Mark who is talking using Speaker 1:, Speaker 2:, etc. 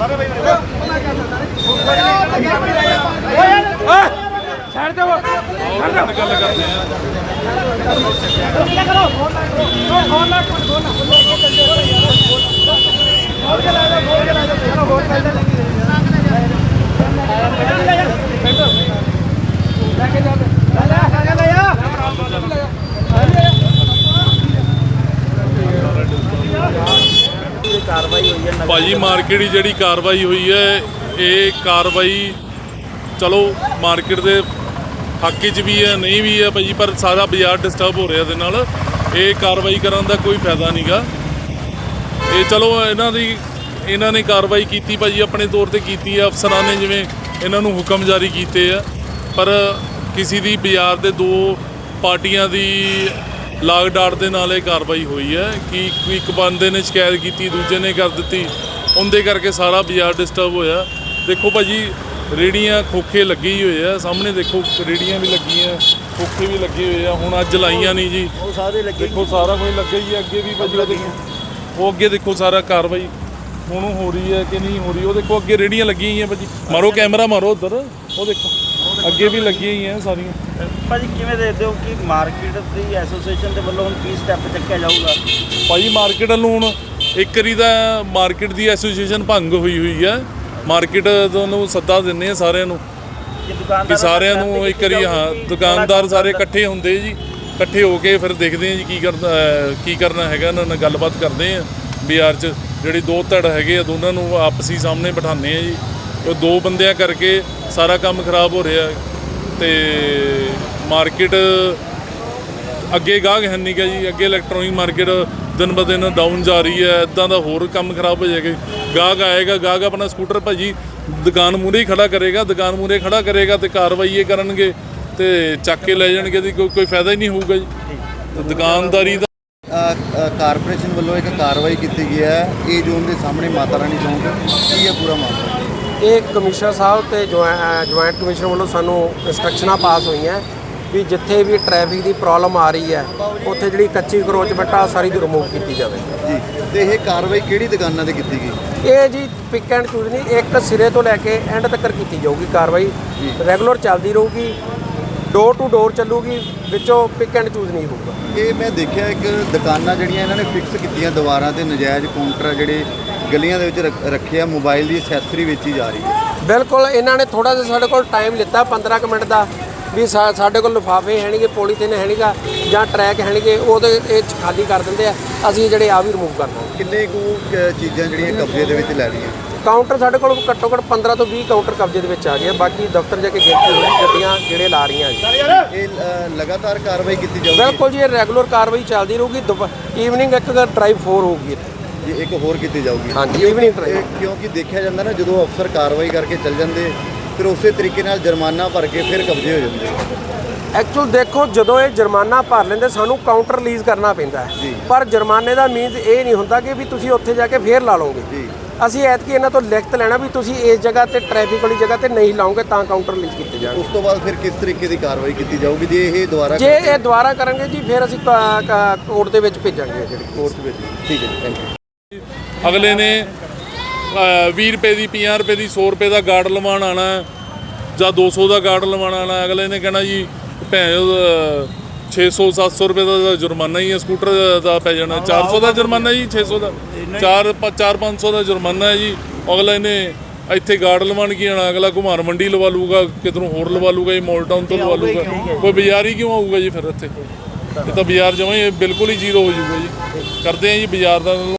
Speaker 1: भाजी मार्केट जी कार्रवाई हुई है, ये कार्रवाई चलो मार्केट के हक च भी है नहीं भी है भाजी, पर सारा बाजार डिस्टर्ब हो रहा है। ये कार्रवाई करने का कोई फायदा नहीं गा। ये चलो इन्होंने कार्रवाई की भाजी अपने तौर पर की है, अफसरान ने जिमें इन्हों हुक्म जारी किए है, पर किसी की बाजार के दो पार्टियां की लाग डाट के नाल कार्रवाई हुई है कि एक बंदे ने शिकायत की, दूजे ने कर दी, उनके करके सारा बाजार डिस्टर्ब होया। देखो भाजी रेहड़ियाँ खोखे लगे ही हुए है, सामने देखो रेहड़ियाँ भी लगी हैं, खोखे भी लगे हुए हैं। हुण अज लाइया नहीं जी, देखो सारा कुछ लगे ही है। अगे भी भाजी देखो वो अगे देखो सारा कार्रवाई हुण हो रही है कि नहीं हो रही। वो देखो अगे रेहड़ियाँ लगी हुई हैं भाजी, मारो कैमरा मारो उधर, वो देखो अगे भी लगी हुई हैं सारियां।
Speaker 2: भाजी किवें देखदे हो कि मार्केट दी एसोसीएशन दे वल्लों हुण की स्टैप चुक्या जाऊगा?
Speaker 1: भाजी मार्केट वालों हुण एक वारी दा मार्केट दी एसोसीएशन भंग हुई है। मार्केट नूं सद्दा दिंदे आ सारिਆਂ ਨੂੰ कि सारिਆਂ ਨੂੰ एक वारी, हाँ दुकानदार सारे इकट्ठे होंदे जी, इकट्ठे हो के फिर देखते हैं जी की करना है। इन्हां नाल गलबात करते हैं बाजार च, जिहड़े दो धड़ हैगे आ दोनों नूं आपसी सामने बिठाने हैं जी। तो दो बंदियां करके सारा काम खराब हो रहा है। तो मार्केट अगे गाहक है नहीं गा जी, अगे इलैक्ट्रॉनिक मार्केट दिन ब दिन डाउन जा रही है। इदां दा होर काम खराब हो जाएगा। गाहक आएगा, गाहक अपना स्कूटर भाजी दुकान मूहरे ही खड़ा करेगा, दुकान मूहरे खड़ा करेगा तो कार्रवाई ये करनगे तो चक के लै जाणगे, कोई फायदा ही नहीं होगा जी। तो दुकानदारी दा
Speaker 3: कारपोरेशन वालों एक कार्रवाई की गई है ए जोन के सामने माता रानी चौंक, की है पूरा मामला?
Speaker 4: ये कमिश्नर साहब तो जॉइंट कमिश्नर वालों सानू इंस्ट्रक्शनां पास हुई हैं भी जिथे भी ट्रैफिक की प्रॉब्लम आ रही है उत्थे जिहड़ी कच्ची करੋਚमेंट आ सारी रिमूव की जाए
Speaker 3: जी। तो यह कार्रवाई किहड़ी दुकानां ते कीती गई?
Speaker 4: ये जी पिक एंड चूज नहीं, एक सिरे तो लैके एंड तक की जाऊगी कार्रवाई, रेगुलर चलती रहूगी, डोर टू डोर चलूगी, विचों पिक एंड चूज नहीं होगा।
Speaker 3: ये मैं देखा एक दुकानां जिहड़ियां इन्होंने फिक्स कीतियां दीवारां ते नजायज़ काउंटर जिहड़े गलियां दे विच रखे आ, मोबाइल की एक्सैसरी बेची जा रही है।
Speaker 4: बिल्कुल इन्होंने थोड़ा जिहा साडे कोल टाइम लिता 15 मिनट का भी साडे कोल लिफाफे है नहीं, पॉलीथिन है नहीं जां ट्रैक है नहीं, वो खाली कर देंगे, असीं जिहड़े आ भी रिमूव करना।
Speaker 3: किन्ने कु चीज़ां जिहड़ियां कब्जे दे विच लै लईआं?
Speaker 4: काउंटर साडे कोल घट्टो घट्ट 15 तो 20 काउंटर कब्जे दे विच आ गए, बाकी दफ्तर जाके गिनती होई गड्डियां जिहड़े ला रही हैं।
Speaker 3: ये लगातार कार्रवाई की जाऊगी?
Speaker 4: बिल्कुल जी, रेगुलर कार्रवाई चलती रहूगी। ईवनिंग एक ड्राइव 4 होगी
Speaker 3: जी, एक होर की जाऊगी?
Speaker 4: हाँ जी, ईवनिंग ड्राइव।
Speaker 3: क्योंकि देखा जाता ना जो अफसर कार्रवाई करके चल जाते फिर उस तरीके नाल जुर्माना भर के फिर कब्जे हो जाते।
Speaker 4: एक्चुअल देखो जो ये जुर्माना भर लेंगे सानू काउंटर रिलीज़ करना पैंदा है, पर जुर्माने का मीनस ये नहीं होंदा कि भी तुसीं उत्थे जाके फिर ला लोगे। ਅਸੀਂ ਐਤਕੀ ਇਹਨਾਂ ਤੋਂ ਲਿਖਤ ਲੈਣਾ ਵੀ ਤੁਸੀਂ ਇਸ ਜਗ੍ਹਾ ਤੇ ਟ੍ਰੈਫਿਕ ਵਾਲੀ ਜਗ੍ਹਾ ਤੇ ਨਹੀਂ ਲਾਓਗੇ ਤਾਂ ਕਾਊਂਟਰ ਰਿਲੀਜ਼ ਕੀਤੇ ਜਾਣਗੇ।
Speaker 3: ਉਸ ਤੋਂ ਬਾਅਦ ਫਿਰ ਕਿਸ ਤਰੀਕੇ ਦੀ ਕਾਰਵਾਈ ਕੀਤੀ ਜਾਊਗੀ ਜੇ ਇਹ ਦੁਬਾਰਾ
Speaker 4: ਕਰਾਂਗੇ ਜੀ ਫਿਰ ਅਸੀਂ ਕੋਰਟ ਦੇ ਵਿੱਚ ਭੇਜਾਂਗੇ, ਜਿਹੜੀ
Speaker 3: ਕੋਰਟ ਵਿੱਚ। ਠੀਕ ਹੈ ਜੀ, ਥੈਂਕ ਯੂ।
Speaker 1: ਅਗਲੇ ਨੇ 20 रुपए की 50 रुपए की 100 रुपए का गार्ड लवाण आना ਜਾਂ 200 का गार्ड लवाण आना, अगले ने कहना जी भैन 600-700 रुपए का जुर्माना ही है, स्कूटर का पै जाना 400 का जुर्माना जी, 600 का 400-500 का जुर्माना है जी। अगले ने ਇੱਥੇ ਗਾਰਡ ਲਵਾਉਣ ਕੀ ਆਣਾ, ਅਗਲਾ ਘੁਮਾਰ ਮੰਡੀ ਲਵਾ ਲੂਗਾ, ਕਿਧਰੋਂ ਹੋਰ ਲਵਾ ਲੂਗਾ ਜੀ, ਮੋਲ ਟਾਊਨ ਤੋਂ ਲਵਾ ਲੂਗਾ, ਕੋਈ ਬਾਜ਼ਾਰ ਹੀ ਕਿਉਂ ਆਊਗਾ ਜੀ ਫਿਰ ਇੱਥੇ? ਇਹ ਤਾਂ ਬਾਜ਼ਾਰ ਜਮਾਂ ਹੀ ਬਿਲਕੁਲ ਹੀ ਜ਼ੀਰੋ ਹੋ ਜਾਊਗਾ ਜੀ। ਕਰਦੇ ਆ ਜੀ ਬਾਜ਼ਾਰ ਦਾ